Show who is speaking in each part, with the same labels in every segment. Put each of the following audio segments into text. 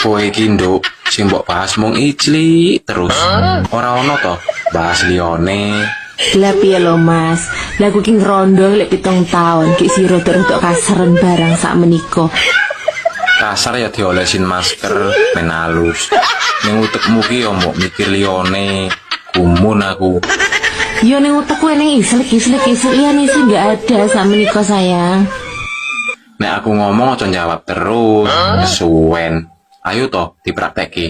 Speaker 1: Kowe iki nduk sing mbok bahas mung ijli terus. Ora ono to bahas liyane.
Speaker 2: Lah piye lho Mas? Lah aku ki ngrondo lek 7 taun ki sira rodok kasaren barang sak menika.
Speaker 1: Kasar ya diolesin masker men halus. Ning utekmu ki yo mbok mikir liyane. Gumun aku.
Speaker 2: Yo ning utekku ning islik liyane sih enggak ada sak menika sayang.
Speaker 1: Nek aku ngomong aja jawab terus. Kesuwen. Ayo to diprakteki.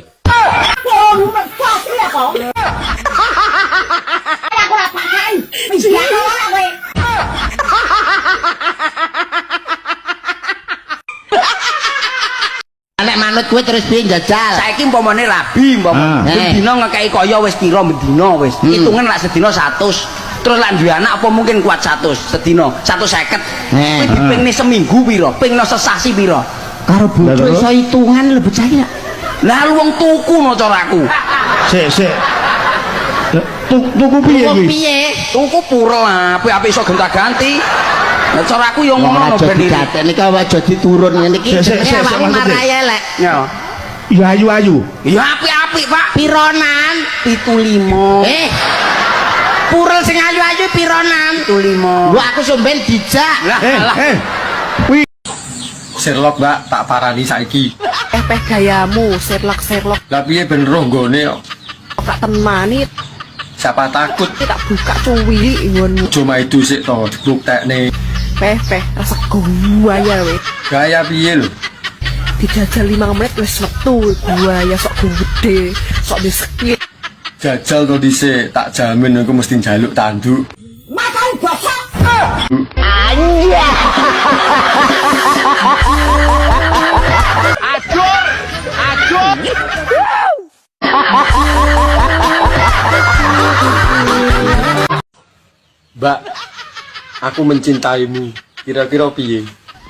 Speaker 3: Nek manut kowe terus piye njajal?
Speaker 4: Saiki umpamane rabi, umpamane dina ngekeki kaya wis pira bendina wis. Hitungan lak sedina 100. Terus lak duwe anak apa mungkin kuat 100 sedina, 150. Kowe dipingne seminggu pira? Pingno sesasi pira?
Speaker 3: Karo bojo iso hitungan lebih cahya.
Speaker 4: Lah wong tuku no caraku.
Speaker 5: Sik. Tuku piye kuwi?
Speaker 4: Tuku pura lah, apik iso gonta-ganti. Lah caraku yo ngono ben iki.
Speaker 3: Gatene iki aja diturun ngene iki.
Speaker 5: Awake
Speaker 3: marai elek.
Speaker 4: Ya.
Speaker 5: Ya ayu-ayu.
Speaker 4: Ya apik-apik, Pak.
Speaker 3: Pironan?
Speaker 4: 75.
Speaker 3: Purel sing ayu-ayu pironan?
Speaker 4: 75.
Speaker 3: Lho aku somben dijak.
Speaker 5: Kuwi
Speaker 6: Sherlock, Mbak, tak parani saiki.
Speaker 7: Peh gayamu, Sherlock.
Speaker 6: Lah piye ben roh nggone kok.
Speaker 7: Tak temani,
Speaker 6: Siapa takut
Speaker 7: tak buka cuwi ngonmu.
Speaker 6: cuma itu sik to dibuktekne.
Speaker 7: Peh, rasa buaya we.
Speaker 6: Gaya piye lho?
Speaker 7: Dijajal 5 menit wis metu buaya sok gede, sok disekit.
Speaker 6: Jajal to dhisik, tak jamin aku mesti njaluk tanduk. Mbak, aku mencintaimu. Kira-kira piye?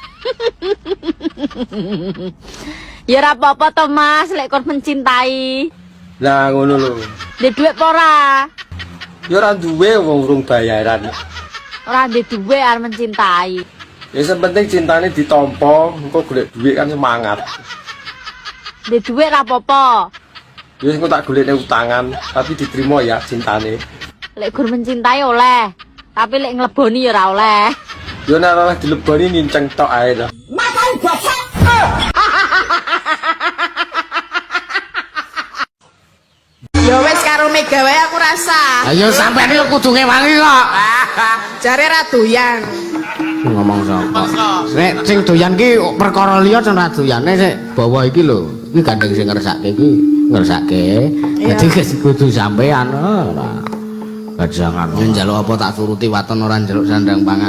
Speaker 8: Ya ora apa-apa to Mas, lek kon mencintai.
Speaker 6: Lah ngono lho.
Speaker 8: Ndek dhuwit apa ora?
Speaker 6: Ya ora duwe wong urung bayaran.
Speaker 8: Ora ndek dhuwit arep mencintai.
Speaker 6: Ya sing penting cintane ditampa, engko golek duit kan semangat.
Speaker 8: Ndek dhuwit ora apa-apa.
Speaker 6: Ya engko tak golekne utangan, tapi diterima ya cintane.
Speaker 8: Lek gur mencintai oleh, tapi lek ngleboni ya ora oleh.
Speaker 6: Ya nek ora dileboni nginceng tok ae to.
Speaker 7: Ya wis karo Mega wae aku rasa.
Speaker 3: Ayo sampean iki kudu ngewangi kok.
Speaker 7: Jare ra doyan.
Speaker 3: Ngomong sapa? Nek sing doyan ki perkara liya jan ra doyane sik bawa iki lho. Iki gandeng sing ngersake iki, ngersake. Dadi kudu sampean ora. Gajangan. Yen njaluk apa tak turuti waton ora njaluk sandang pangan.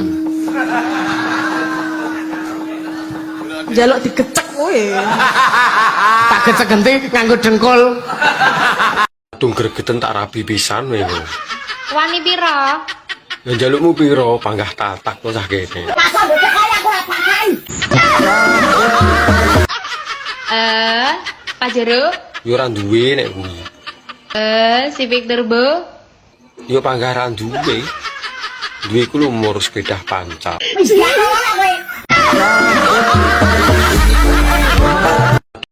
Speaker 7: Jaluk digecek kowe.
Speaker 3: Tak gecek genti nganggo dengkul.
Speaker 6: Tung gregeten tak rabi pisan wae.
Speaker 8: Wani pira?
Speaker 6: Ya njalukmu piro panggah tatak to cah kene.
Speaker 8: Pak Jero?
Speaker 6: Ya ora duwe nek kuwi.
Speaker 8: Si Victor Bu?
Speaker 6: Ya panggah ra duwe. Duwe ku lho umur sekedah pancal.